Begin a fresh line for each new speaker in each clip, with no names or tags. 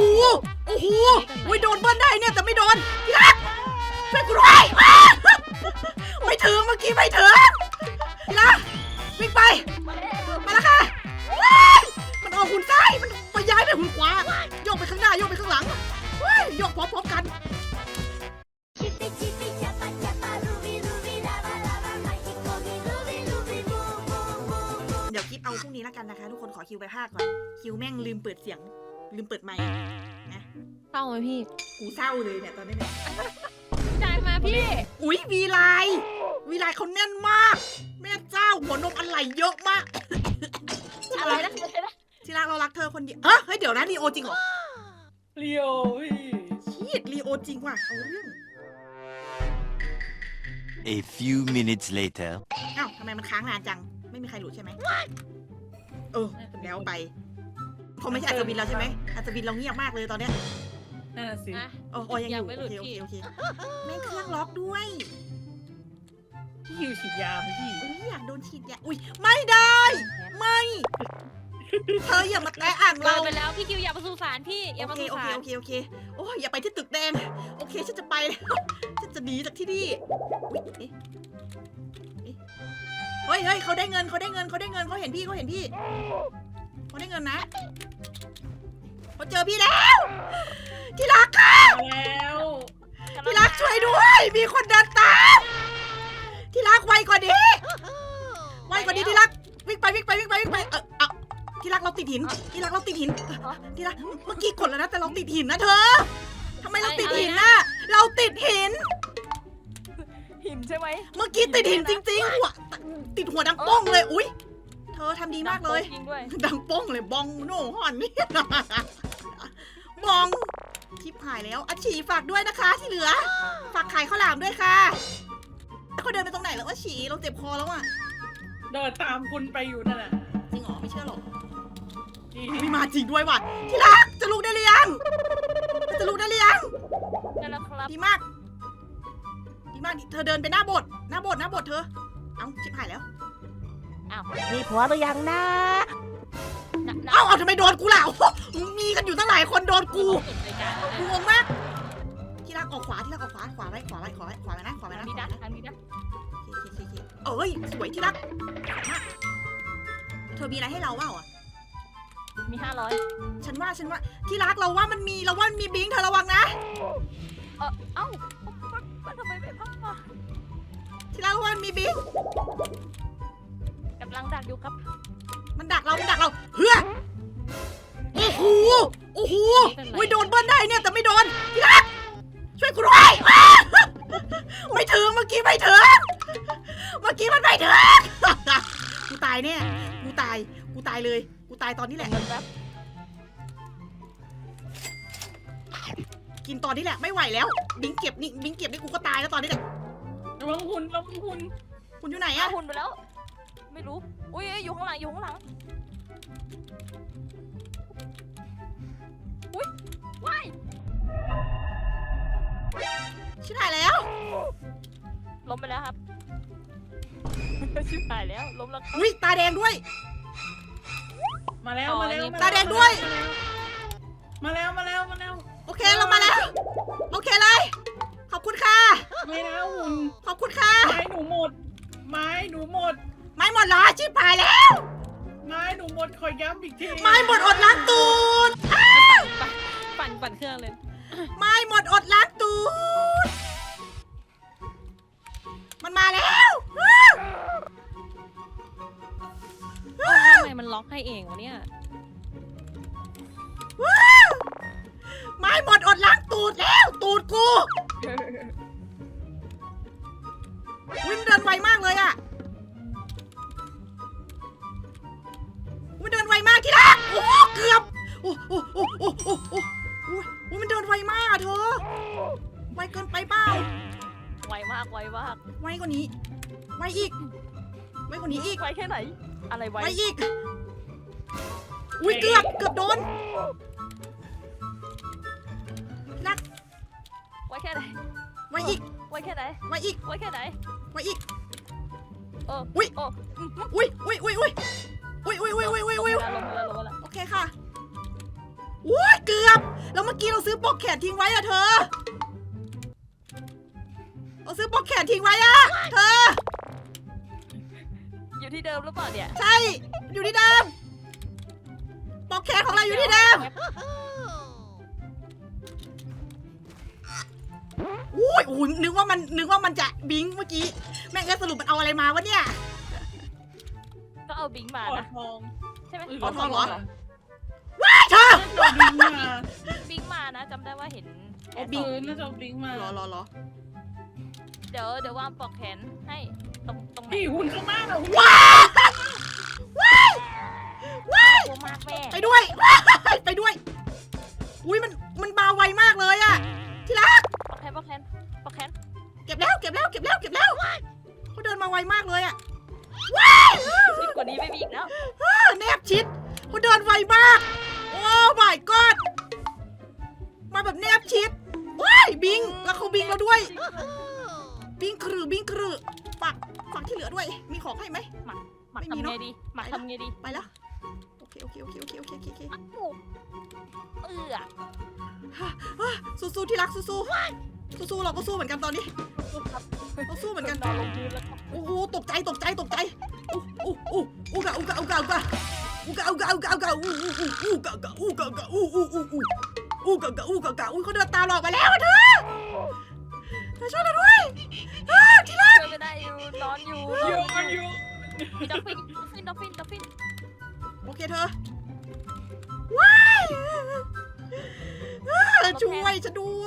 โอ้โหอุ้ยโดนเบิ้ลได้เนี่ยแต่ไม่โดนที่รักช่วยกูด้วยไม่ถึงเมื่อกี้ไม่ถึงที่รักวิ่งไปมาแล้วค่ะมันออกหุ่นซ้ายมันไปย้ายไปหุ่นขวาโยกไปข้างหน้าโยกไปข้างหลังโยกพร้อมๆกันเดี๋ยวคิดเอาพรุ่งนี้แล้วกันนะคะทุกคนขอคิวไปภาคก่อนคิวแม่งลืมเปิดเสียงลืมเปิดไมค์นะ
เศร้าไหมพี่
กูเศร้าเลยเนี่ยตอนนี้เนี่ย
จ่ายมาพี่
อุ๊ยวีไลเขาแน่นมากแม่เจ้าหัวนมอะไรเยอะมาก
อะไรนะ
ที่รักเรารักเธอคนเดียวเฮ้ยเดี๋ยวนะลีโอจริงเหรอ
ลีโอพี่
ชีดลีโอจริงว่ะเอาเรื่อง
A few minutes later
อ้าวทำไมมันค้างนานจังไม่มีใครรู้ใช่ไหมแล้วไปคงไม่ใช่อัศวินเราใช่ไหมอัศวินเราเงียบมากเลยตอนเนี้ย
นั่นน่ะสิ
ยังอยู่โอเคแม่เครื่องล็อกด้วย
พี่หิวฉีดยาไหมพี่
อยากโดนฉีดยาอุ้ยไม่ได้ไม่เธออย่ามาแตะอ่างเรา
ไปแล้วพี่คิวอย่ามาสู่ศาลพี่อย่ามาสู่ศาล
โอเคโอ้ยอย่าไปที่ตึกแดงโอเคฉันจะไปแล้วฉันจะหนีจากที่นี่เฮ้ยเขาได้เงินเขาเห็นพี่เขาได้เงินนะเขาเจอพี่แล้วที่รักค่ะที่รักช่วยด้วยมีคนเดินตามที่รักไวกว่านี้ที่รักวิ่งไปที่รักเราติดหินที่รักเมื่อกี้กดแล้วนะแต่เราติดหินนะเธอทำไมเราติดหินน่ะเราติดหิน
ใช่ไหม
เมื่อกี้ติดหินจริงๆหัวติดหัวดังป้องเลยอุ๊ยเธอทำดีมากเลยดังป้องเลยบองโน่ห่อนนี่บองทิพหายแล้วอาชีฝากด้วยนะคะที่เหลือฝากขายข้าวหลามด้วยค่ะเขาเดินไปตรงไหนแล้วอาชีเราเจ็บคอแล้วอ่ะ
เดินตามคุณไปอยู่นั่นแหละ
จริงเหรอไม่เชื่อหรอกไม่มาจริงด้วยว่ะที่รักจะลุกได้หรือยัง
ได้แล้วครับ
ดีมากเธอเดินไปหน้าโบสถ์เธอเอ้าชิบหายแล้ว
มีผัวหรือยังนะ
เอาทำไมโดนกูล่ะมีกันอยู่ตั้งหลายคนโดนกูงงมากที่รักออกขวาไว้นะขวาไว้นะ
มีนะ
เอ้ยสวยที่รักเธอมีอะไรให้เราเปล่าอ่ะ
มี500
ฉันว่าที่รักเราว่ามันมีบิงเธอระวังนะ
เอ้าทำไมไม่พักมา
ที่รักว่ามันมีบิง
กำลังดักอยู่ครับ
มันดักเราเฮ้ยโอ้โหอุ้ยโดนเบิ้ลได้เนี่ยแต่ไม่โดนที่รักช่วยกูด้วยไม่ถึงเมื่อกี้มันไม่ถึงกูตายเนี่ยกูตายเลยกูตายตอนนี้แหละกินตอนนี้แหละไม่ไหวแล้วบิงเก็บนี่กูก็ตายแล้วตอนนี้แหละ
ระวังหุ่น
คุณอยู่ไหนอะ
หุ่นไปแล้วไม่รู้อุ้ยอยู่ข้างหลังอุ้ยว้าย
ชิบหายแล้ว
ล้มไปแล้วครับชิบหายแล้วล้มแล้ว
อุ้ยตาแดงด้วย
มาแล้ว
ตาแดงด้วย
มาแล้ว
โอเคเรามาแล้วโอเคเลยขอบคุณค่ะ
ไม่นะหุ่น
ขอบคุณค่ะ
ไม้หนูหมด
ไม่หมดเหรอชิบหายแล้ว
ไม้หนูหมดขอย้ำอีกที
ไม่หมดอดล้างตูด
ปั่นเครื่องเลย
ไม่หมดอดล้างตูดมันมาแล้ว
ทำไมมันล็อกให้เองวะเนี่ย
ไม่หมดอดล้างตูดแล้วตูดกูวิ่งเดินไวมากเลยอะวิ่งเดินไวมากที่รักโอ้เกือบโอ้มันเดินไวมากเธอไวเกินไปเปล่า
ไวมาก
ไวกว่านี้ไวอีกไวกว่านี้อีก
ไวแค่ไหนอะไรไว
อีกอุ้ยเกือบโดนนัก
ไวแค่ไหน
ไวอีก
ไวแค่ไหน
ไวอีกอุ้ยโอเคค่ะอุ้ยเกือบแล้วเมื่อกี้เราซื้อปลอกแขนทิ้งไว้อะเธอ เราซื้อปลอกแขนทิ้งไว้อะเธอ
อยู่ที่เดิมหรือเปล่าเนี่ย
ใช่ อยู่ที่เดิมปลอกแขนของเราอยู่ที่เดิมอุ้ยโอ้โหนึกว่ามันจะบิงเมื่อกี้ แม่งก็สรุปมันเอาอะไรมาวะเนี่ย
ก็เอาบิงมา
ขอ
นะ
ทอง
ใช่ไหม
ขอทองเหรอ
เหรอ
ว้ายเธอ
เอาบิงมา
บิงมานะจำได้ว่าเห็นแขน
บิงน่าจะเอาบิงมา
รอ
เดี๋ยววางปลอกแขนให้ตรงไหน
พี่หุ่นข้างหน้าเรา
ว้ายว้าย
กลัวมากแม่
ไปด้วยว้ายไปด้วย อุ้ยมันมาไวมากเลยอะที่รัก
ปลอกแขน
เก็บแล้วเขาเดินมาไวมากเลยอะ
ชิดกว่านี้ไม่มีอีกแล้ว
แนบชิดเขาเดินไวมาก โอ้ my god มาแบบแนบชิดว้ายบิงแล้วเขาบิงเราด้วย บิงครือฝากที่เหลือด้วย มีของให้ไหม
หมัก
ไม่มี
ทำ
เน
ไง
อะ
ดีหมักทำไงดี
ไปแล้วโอเค
อ้าว
สู้ที่รักสู้เราก็สู้เหมือนกันตอนนี้เราสู้เหมือนกัน
นอนลงพื้นแล้วครับ
โอ้โหตกใจอูกะเขาเดินตามหลอกไปแล้วเธอช่วยเราด้วยที่รัก
ช่วยไม่ได้อยู่นอนอยู่
อยู่
มีด็อกฟิน
โอเคเธอว้ายช่วยฉันด้วย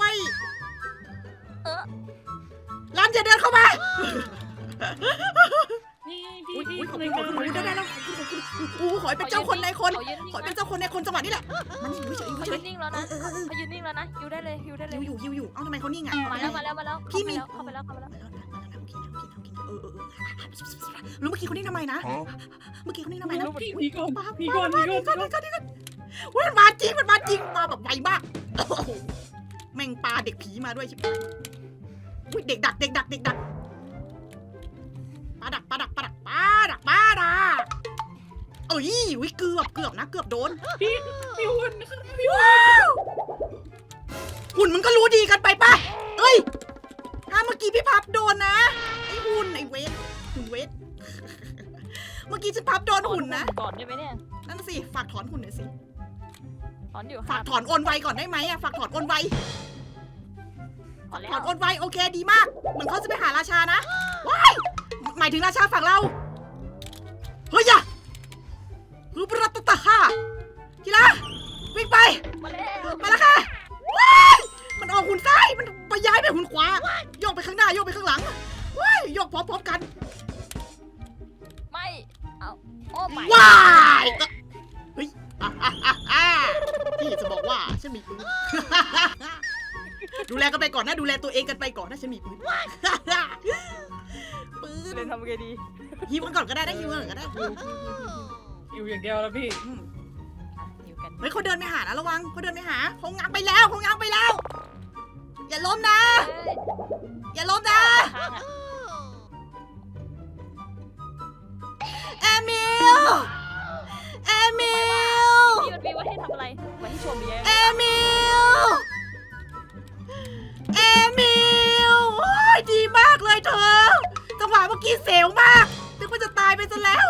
รันอย่าเดินเข้ามา
นี่
อุ้ย
พี่
ขอบ
ใน
คุณ
การ
ได้แล้วโอ้ขอให้เป็นเจ้าคนในคน
เขายืน
ขอให้เป็นเจ้าคนในคนจังหวะนี้แหละมันอยู่เฉย
เขายืนนิ่งแล้วนะเขายืนนิ่งแล้วนะอยู่ได้เลย
อยู่เอ้าทำไมเขานิ่งอ่ะ
มาแล้ว
พี่มี
เข้าไปแล้ว
รู้เมื่อกี้เขานิ่งทำไมนะ เมื่อกี้เขานิ่งทำไมนะ
พี่ก่อน
เว้ยมันมาจริงมาแบบไวมากแม่งปลาเด็กผีมาด้วยชิบหายอุ้ยเด็กดักปลาดักเอ้ยวิเกือบนะเกือบโดน
พี่หุ่นข้างหน้าพี่
ว้าวหุ่นมันก็รู้ดีกันไปป่ะเอ้ยถ้าเมื่อกี้พี่พับโดนนะไอ้หุ่นหุ่นเวทเมื่อกี้ฉันพับโดนหุ่นนะ
ก่อนได้ไหมเนี่ย
นั่นสิฝากถอนหุ่นหน่อยสิ
ถอนอยู่
ฝากถอนโอนไวก่อนได้ไหมอะฝากถอนโอนไว
ถอนแล้
ถอน
ว
โอนไวโอเคดีมากเหมือนเขาจะไปหาราชานะว้ายหมายถึงราชาฝั่งเราเฮ้ยอย่ารูปรัตตะค่ะทีละวิ่งไป
มาแล้ว
มาแล้วค่ะว้ายมันออกหุ่นซ้ายมันไปย้ายไปหุ่นขวาโยกไปข้างหน้าโยกไปข้างหลังว้ายโยกพร้อมกัน
ไม่เอาโอ้ไม่
ว้ายเฮ้ยพี่จะบอกว่าฉันมีปืน ดูแลกันไปก่อนนะดูแลตัวเองกันไปก่อนนะฉันมีปืน ปืน
เล่นทำไงดี
ฮิวกันก่อนก็ได้นะฮิวกันก่อนก็ได้
อยู่อย่างเดียวแล้วพี่
อยู่กัน
เฮ้ยเขาเดินไปหานะระวังเขาเดินไปหาเขาง้างไปแล้วอย่าล้มนะอย่าล้มนะ
ข้างอ่ะ
เอมิล
พี่มันมีไว้ให้ทำอะไรไว้ให้ชมดี
เอมิลโอ้ยดีมากเลยเธอจังหวะเมื่อกี้เสียวมากนึกว่าจะตายไปซะแล้ว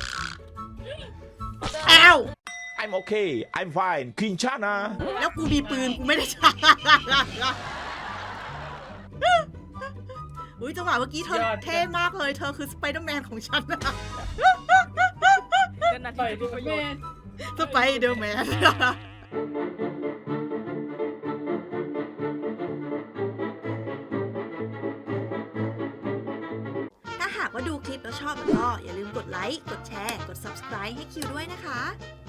อ้าว
I'm okay. I'm fine. Quinchana.
แล้วกูมีปืนกูไม่ได้ใช้อุ้ยจังหวะเมื่อกี้เธอเท่มากเลยเธอคือสไปเดอร์แมนของฉันนะ
นา
ต่อย
ที
ดู
ประโย
แม่
ชน์
สไปเดอร์แมนถ้าหากว่าดูคลิปแล้วชอบก็อย่าลืมกดไลค์ กดแชร์ กด subscribe ให้คิวด้วยนะคะ